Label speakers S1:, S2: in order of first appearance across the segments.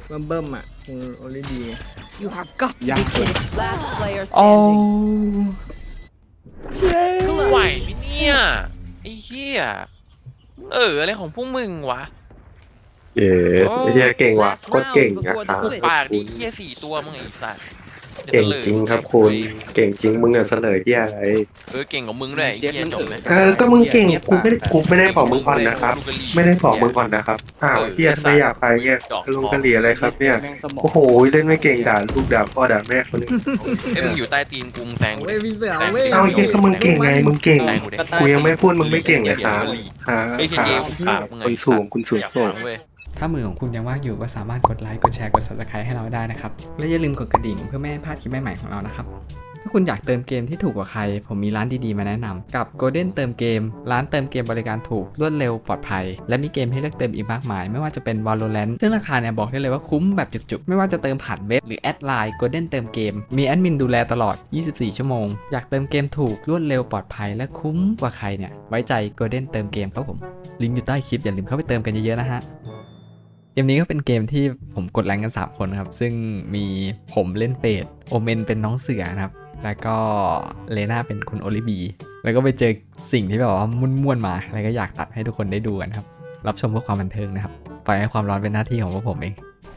S1: มาเบิ้มอ่ะคุณโอลิดี
S2: You have got to be kidding. Last player
S3: โอ้
S2: standing.
S3: เจ๊
S4: ไหวไหมเนี่ยไอ้เหี้ยอะไรของพวกมึงวะ
S5: เย้ไอ้เหี้ยเก่งว่ะโคตรเก่งอะครับ
S4: ปากดีเหี้ย4 ตัวมึงไอ้สัส
S5: เก่งจริงครับคุณเก่งจริงมึงอะเสลยที่อะไร
S4: เก่งกว่ามึงด้วยไอ้เหี้ยจบไหม
S5: ก็มึงเก่งกูไม่ได้บอกมึงก่อนนะครับ ไม่ได้บอกมึงก่อนนะครับเฮียทำไมอยากไปเนี่ยลงกะเหรี่ยอะไรครับเนี่ยโอ้โหเล่นไม่เก่งด่าลูกด่าพ่อด่าแม่คนนึง
S4: มึงอยู่ใต้ตีนกูแซงกู
S1: เว้
S4: ดิ
S1: ยพี่เสือเว้ย
S5: เอาเฮียก็มึงเก่งไงมึงเก่งกูยังไม่พูดมึงไม่เก่งเลยครับ
S4: ไอ้เหี้ยเกมปากมึงไง
S5: คนสูงคุณสูงส่ง
S4: เว้ย
S3: ถ้ามือของคุณยังว่างอยู่ก็สามารถกดไลค์ กดแชร์ กด subscribe ให้เราได้นะครับ และอย่าลืมกดกระดิ่งเพื่อไม่ให้พลาดคลิปใหม่ๆของเรานะครับ ถ้าคุณอยากเติมเกมที่ถูกกว่าใคร ผมมีร้านดีๆมาแนะนำกับ Golden เติมเกม ร้านเติมเกมบริการถูก รวดเร็ว ปลอดภัย และมีเกมให้เลือกเติมอีกมากมาย ไม่ว่าจะเป็น Valorant ซึ่งราคาเนี่ยบอกได้เลยว่าคุ้มแบบจุกๆ ไม่ว่าจะเติมผ่านเว็บหรือแอดไลน์ Golden เติมเกม มีแอดมินดูแลตลอด 24 ชั่วโมง อยากเติมเกมถูก รวดเร็ว ปลอดภัย และคุ้มกว่าใครเนี่ย ไว้ใจ Golden เติมเกมครับผม ลิงก์อยู่ใต้คลิปอย่าลืมเข้าไปเติมกันเยอะๆนะฮะ เกมนี้ก็เป็นเกมที่ผมกดแรงกัน3คนครับซึ่งมีผมเล่นเฟดโอเมนเป็นน้องเสือนะครับแล้วก็เลน่าเป็นคุณโอลิบีแล้วก็ไปเจอสิ่งที่แบบว่าม่วนๆมาแล้วก็อยากตัดให้ทุกคนได้ดูกันครับรับชมเพื่อความบันเทิงนะครับปล่อยให้ความร้อนเป็นหน้าที่ของพวกผมเอง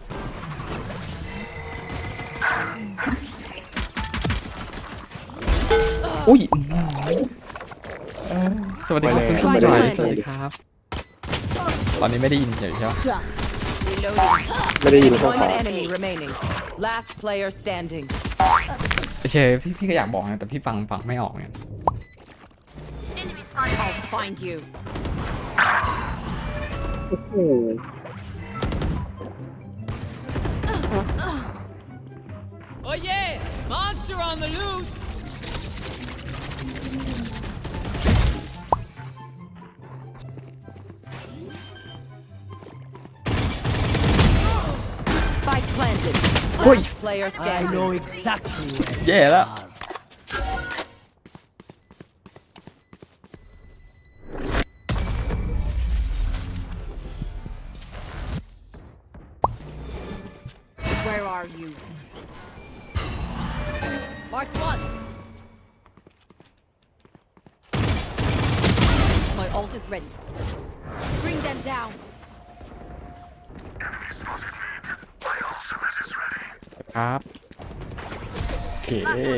S3: อุ้ยสวัสดีครับคุณสมบัติสวัสดีครับตอนนี้ไม่ได้ยินเฉยใช่ไหม
S2: Reloading.
S5: ไม่ได้ยินข้อ
S2: One
S5: ความ
S2: enemy remaining. Last player standing.
S3: เฉยพี่ก็อยากบอกนะแต่พี่ฟังไม่ออกเนี่ย
S2: I'll find you. 'Spike planted. Last player standing.
S6: exactly.
S3: แย่แล้ว
S2: Where are you? Marked one. My ult is ready. Bring them down.
S3: ครับโอเค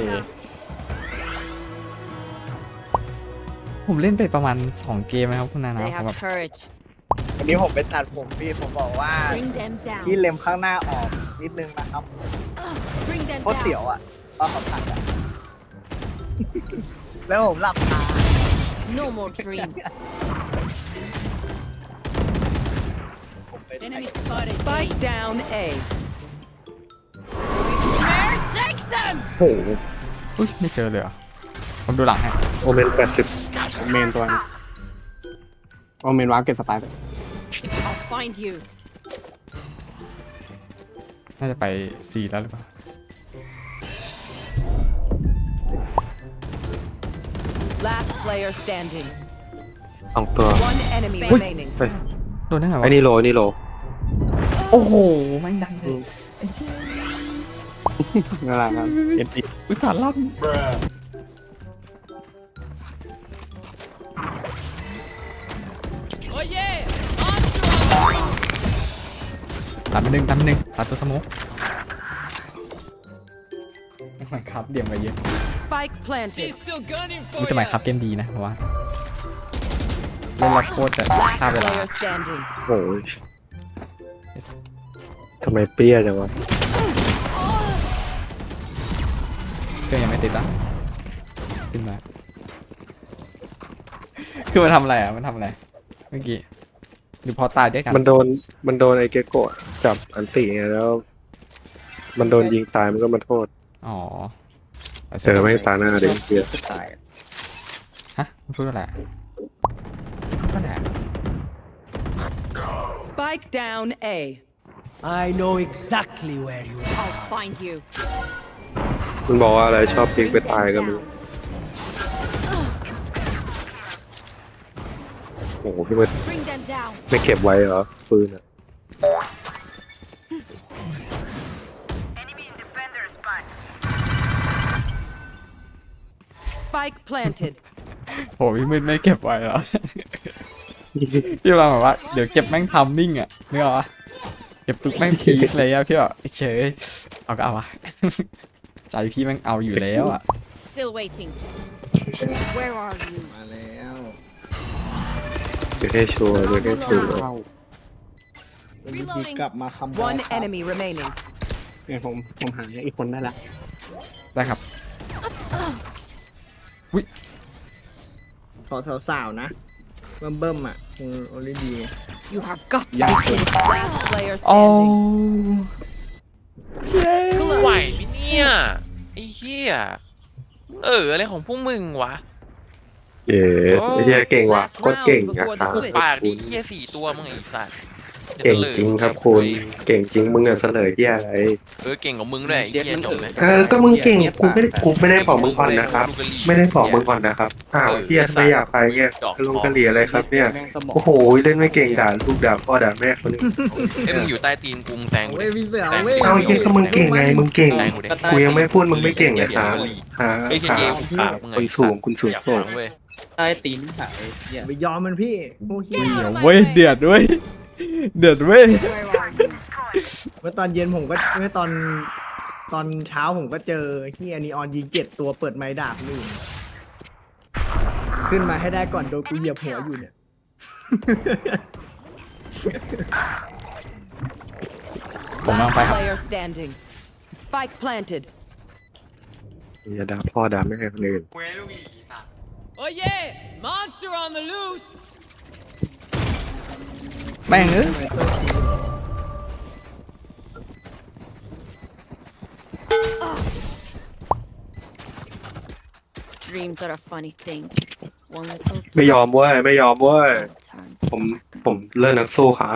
S3: ผมเล่นไปประมาณ2เกมนะครับคุณนานะ
S2: They
S3: ผม
S2: have
S3: แบบ
S2: courage.
S6: วันนี้ผมไปตัดผมผมบอกว่า
S2: Bring them
S6: ที่
S2: down.
S6: เล็มข้างหน้าออกนิดนึงนะครับ
S2: Bring them
S6: โคตรเสียว
S2: down.
S6: อ่ะตอนเขาตัดอ่ะ แล้วผมหลับตา
S2: No more dreams.
S6: ผมไป
S2: Enemy spotted. Spike down A. Take them.
S5: โอ้โห
S3: อุ้ยไม่เจอเลยเหรอผมดูหลังให้
S5: โอเมน80
S1: เมนตัวนึงโอเมนวาร์ปเก็บสไปร์
S2: I'll find you.
S3: น่าจะไป4แล้วหรือเปล่า
S2: Last player standing.
S5: 2 ตัว
S2: One enemy remaining.
S5: เฮ้ย
S3: โดนได้ไงวะ
S5: ไอ้นี่โลนี่โล
S3: โอ้โหไม่งดังเลย
S1: นั่นแหละครับเอ็นตี
S3: อุตส่าห์ลั่นตัดไปหนึ่งตัดตัวสโมุกไม่ครับเดี่ยมไปเยอะ
S2: Spike planted.
S3: นี่แต่หมายครับเกมดีนะเพราะว่าเล่นแล้วโคตรจะฆ่า
S2: Last
S3: เวลา
S2: player standing.
S5: โอ้ยทำไมเปรี้ยจังวะ
S3: เครื่องยังไม่ติดอ่ะขึ้นมาคือมันทำอะไรอ่ะมันทำอะไรเมื่อกี้หรือพอตายด้วยกัน
S5: มันโดนไอ้เกโกะจับอันติไงแล้ว มันโดนยิงตายมันก็มาโทษ
S3: อ๋อ
S5: เจอไม่ตาหน้าเด็กเกีย
S1: ตาย
S3: ฮะมันพูดอะไรพูดอะไร
S2: Spike down A.
S6: I know exactly where you are.
S2: I'll find you.
S5: มันบอกว่าอะไรชอบยิงไปตายก็ไม่รู้โอ้โหพี่มัน
S2: Bring them down.
S5: ไม่เก็บไว้เหรอปืนอ่ะ
S2: Spike planted.
S3: โหพี่มืดไม่เก็บไว้เหรอ พี่เราแบบว่าเดี๋ยวเก็บแม่งทำมิ่งอ่ะนึกออกปะเก็บปุ๊บแม่งพีคเลยอะพี่บอกเฉยเอาก็เอาวะ ใจพี่แม่งเอาอยู่แล้วอ่ะ
S2: Still waiting. Where are you?
S1: มาแล้ว
S5: เดี๋ยวได้ชัวร์เดี๋ยวได้ชัวร์
S1: เข้า
S2: Reloading.
S6: กลับมาคำ
S2: One enemy remaining.
S1: เนี่ยผมหาอีกคนได้ละ
S3: ได้ครับ
S6: ขอสาวๆนะเบิ่มๆอ่ะคงโอลิดี
S2: You have got to be kidding. Last player
S3: โอ้
S2: standing.
S3: เจ๊
S4: ไหวไหมเนี่ยไอ้เหี้ยอะไรของพวกมึงวะ
S5: เย้ไอ้เหี้ยเก่งว่ะโคตรเก่งอะครับ
S4: ปากดีเหี้ย4 ตัวมึงไอ้สัส
S5: เก่งจริงครับคุณเก่งจริงมึงอะเสนอเหี้ยอะไร
S4: เก่งกว่ามึงด้วยไอ้เหี้ยจบไหม
S5: ก็มึงเก่งกูไม่ได้บอกมึงก่อนนะครับ ไม่ได้บอกมึงก่อนนะครับเหี้ยทำไมอยากไปเนี่ยลงกะเหรี่ยอะไรครับเนี่ย
S1: แม่งสมอง
S5: โอ้โหเล่นไม่เก่งด่าลูกด่าพ่อด่าแม่คนนี้
S4: มึงอยู่ใต้ตีนกูแซงกู
S6: เว้
S4: ดิ
S6: ยพี่เสือเว้ย
S5: เอาเหี้ยก็มึงเก่งไงมึงเก่ง
S4: แซงกูดิ
S5: กูยังไม่พูดมึงไม่เก่งเลยครับฮะ
S4: ไอ้เจ๊กูปากมึงไง
S5: คุณสูงคุณสูงส่ง
S4: เว้ย
S1: ใต้ตีนหายเนี่ย
S6: ไปยอมมันพี่โอ้เหี้ย
S3: เดี๋ยวเว้ยเดือดเว้ยเดือดเว้ย
S2: Where are you?
S6: เมื่อตอนเย็นผมก็เมื่อตอนเช้าผมก็เจอที่นีออนยิง7 ตัวเปิดไม้ด่าคนอื่นขึ้นมาให้ได้ก่อนโดนกูเหยียบหัวอยู่เนี่ย
S3: ผมลองไปครับ
S2: Player standing. Spike planted.
S5: อย่าด่าพ่อด่าแม่คนอื่น
S7: Oh yeah! Monster on the loose!
S3: แม่งเอ้ย
S2: Dreams are a funny thing. One little
S5: ไม่ยอมเว้ยไม่ยอมเว้ย
S2: turns
S5: ผมเลิกนักสู้ครับ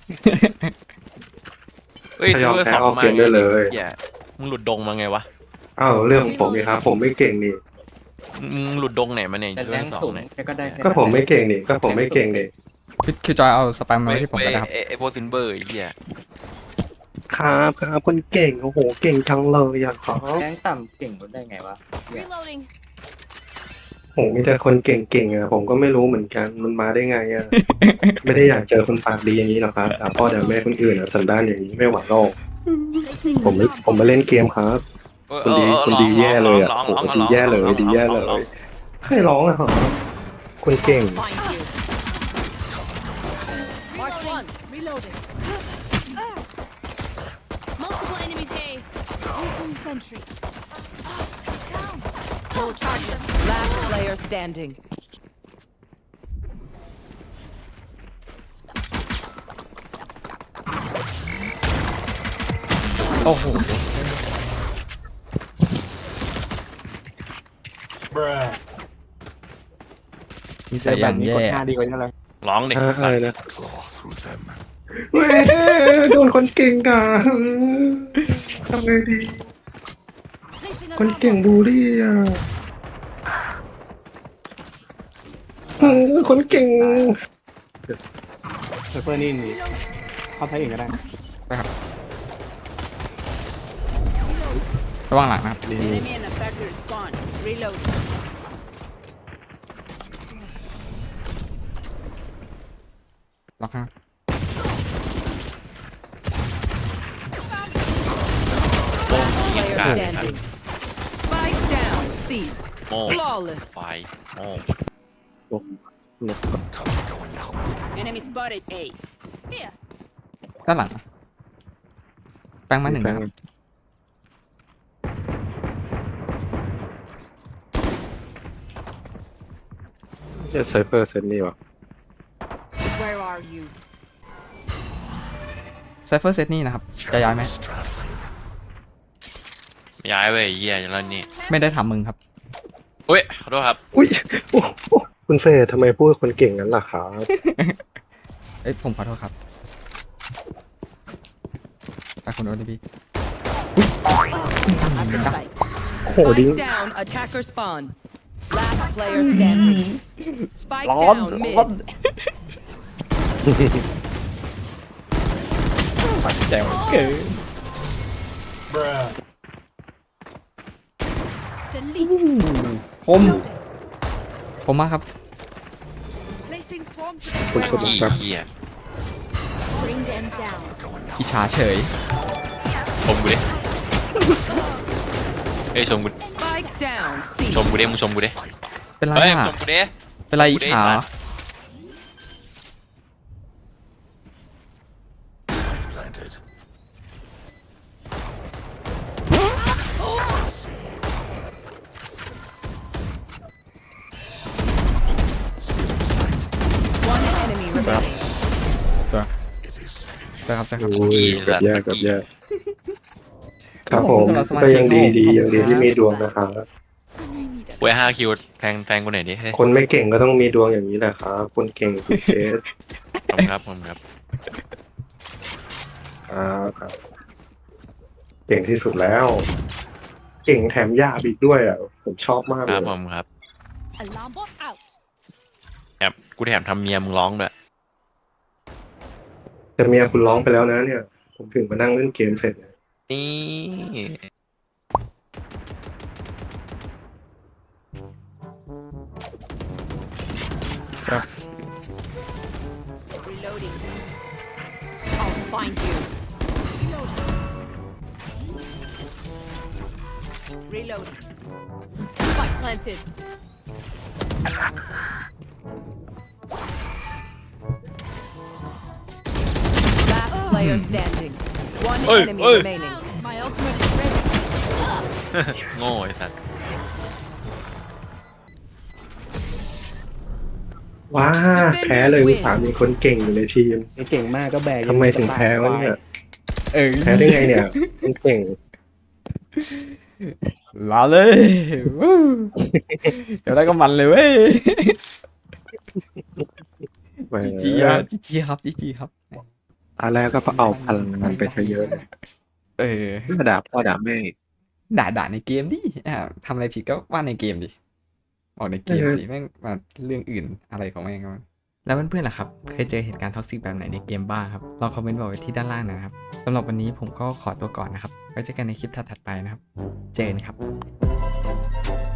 S4: เฮ้ย
S5: ถ้ายอม
S4: เธอ
S5: แพ้
S4: สอง
S5: เอา
S4: มา
S5: เกมได้เลย
S4: เหี้ยมึงหลุดดงมาไงวะ
S5: อ้าวเรื่องของผมนี่ครับผมไม่เก่งนี่
S4: มึงหลุดดงไหนมาเนี่ย
S1: แต่
S4: เรื่
S1: แร
S4: อง
S1: ง
S4: สอง
S1: สูง
S4: เนี่ย
S1: แค่ก็ได้แค่
S5: ก็ผมไม่เก่งนี่ก็ผมไม่เก่งนี่
S3: คือจอยเอาสแปมมาไว้ที่ผมก็ได้ครับ
S4: ไอ้โพซินเบอร์ไอ้เหี้ย
S5: ครับคนเก่งโอ้โหเก่งจังเลยอย่างครับ
S1: แรงต่ำเก่งก็ได้ไงวะ
S2: Reloading.
S5: โหมีแต่คนเก่งๆอ่ะผมก็ไม่รู้เหมือนกันมันมาได้ไงอ่ะ ไม่ได้อยากเจอคนปากดีอย่างนี้หรอกครับด่าพ่อด่าแม่คนอื่นอ่ะสันดานอย่างนี้ไม่หวังโลกผมมาเล่นเกมครับคนดีแย่เลยอ่ะโอ้โหดีแย่เลยดีแย่เลยใครร้องอ่ะเหรอคนเก่ง
S2: Find you. Mark one. Reloading.
S8: Multiple enemies A. Using sentry. Down.
S2: Full charges. Last player standing.
S3: โอ้โหนิสัยอย่าง
S1: นี้
S3: แย่
S1: กดหน้าดีกว่านี้เลย
S4: ร้องดิ
S5: อะไรนะเว้ยโดนคนเก่งด่าทำไงดี
S8: Placing a
S5: คนเก่งบูลลี่อ่ะคนเก่ง
S1: เซิร์ฟเวอร์นี่เข้าใช้เองก็ได้
S3: ระวังหลังนะครับดี
S2: Enemy and attacker is gone. Reload.
S3: ล็อกครับ
S2: Player standing. Spike down. C.
S4: โม่
S2: Flawless.
S4: ไฟโม่
S2: Enemy spotted A.
S8: here.
S3: ด้านหลังแปลงมาหนึ่งนะครับ
S5: จะไซเฟอร์เซนนี่วะ
S2: Where are you?
S3: ไซเฟอร์เซตนี่นะครับจะย้ายไหม
S4: ย้ายไปไอ้เหี้ยแล้วนี่
S3: ไม่ได้ทำมึงครับ
S4: เฮ้ยขอโทษครับ
S5: อุ้ยโอ้โหคุณเฟย์ทำไมพูดคนเก่งงั้นล่ะครับ
S3: เอ้ยผมขอโทษครับไปคุณโอทีพี
S2: At the site.
S5: โหดิ้ง
S2: Spike down. Attacker spawn. Last player standing. Spike down mid.
S3: ปัดแจวเกิน
S8: Delete.
S3: คมมากครับ
S8: Placing swarm.
S5: คุณสมบั
S4: อี
S5: ติครับ
S4: เหี้ย
S8: Bring them down.
S3: อิจฉาเฉย
S4: ชมกูดิเฮ้ยชมกู
S2: Spike down. C.
S4: ชมกูดิมึงชมกูดิ
S3: เป็นไร
S4: เฮ้ย
S3: อ่ะ
S4: ชมกูดิ
S3: เป็นไรอิจฉาเหรอ
S2: One enemy remaining.
S3: สวยใช่ครับใช่ครับ
S5: โอ้ยเกับแย่กับแย่ครับ
S3: ข
S5: ผ
S3: อบคุณ
S5: ม
S3: สำหรับสมา
S5: ก็
S3: ชิก
S5: ยังดี
S3: ของผม
S5: ยังดีที่
S3: ครับ
S5: มีดวงนะครับ
S4: เว้ย5 คิวแทงกูหน่อยดิเฮ้ย
S5: คนไม่เก่งก็ต้องมีดวงอย่างนี้แหละครับคนเก่งคุณเคส
S4: ผมครับผมครับ
S5: ครับเก่งที่สุดแล้ว เก่งแถมยากอีกด้วยอ่ะผมชอบมาก
S4: ค
S5: เล
S4: รับ
S5: ย
S4: ผมครับ
S8: Alarm bot out.
S4: กูแถมทำเมียมึงร้องด้วย
S5: แต่เมียคุณร้องไปแล้วนะเนี่ย ผมถึงมานั่งเล่นเกมเสร็จเนี่ย
S4: นี่
S3: ครับ
S8: Reloading. I'll find you. Reloading. Spike planted.
S2: Last player standing. One
S4: Oi,
S2: enemy
S4: oi.
S2: remaining.
S8: My ultimate is ready.
S4: โง่ไอ้สัส
S5: ว้าแพ้เลยอุตส่าห์มีคนเก่งอยู่ในทีม
S1: ไอ้เก่งมากก็แบก
S5: ทำไมถึงแพ้วะเนี่ย
S3: เออ
S5: แพ้ได้ไงเนี่ยคนเก่ง
S3: ลาเลยวู้เดี๋ยวได้ก็มันเลยเว้ย
S5: แหม
S3: จีครับจีครับจีครับ
S5: ตอนแรกก็เอาพลังงานไปซะเยอะเลย
S3: เออ
S5: ด่าพ่อด่าแม่
S3: ด่าในเกมดิทำอะไรผิดก็ว่าในเกมดิบอกในเกมสิแม่งมาเรื่องอื่นอะไรของแม่งก็แล้วเพื่อนๆล่ะครับ เคยเจอเหตุการณ์ท็อกซิกแบบไหนในเกมบ้างครับลองคอมเมนต์บอกไว้ที่ด้านล่างนะครับสำหรับวันนี้ผมก็ขอตัวก่อนนะครับไว้เจอกันในคลิปถัดๆไปนะครับเจอกันครับ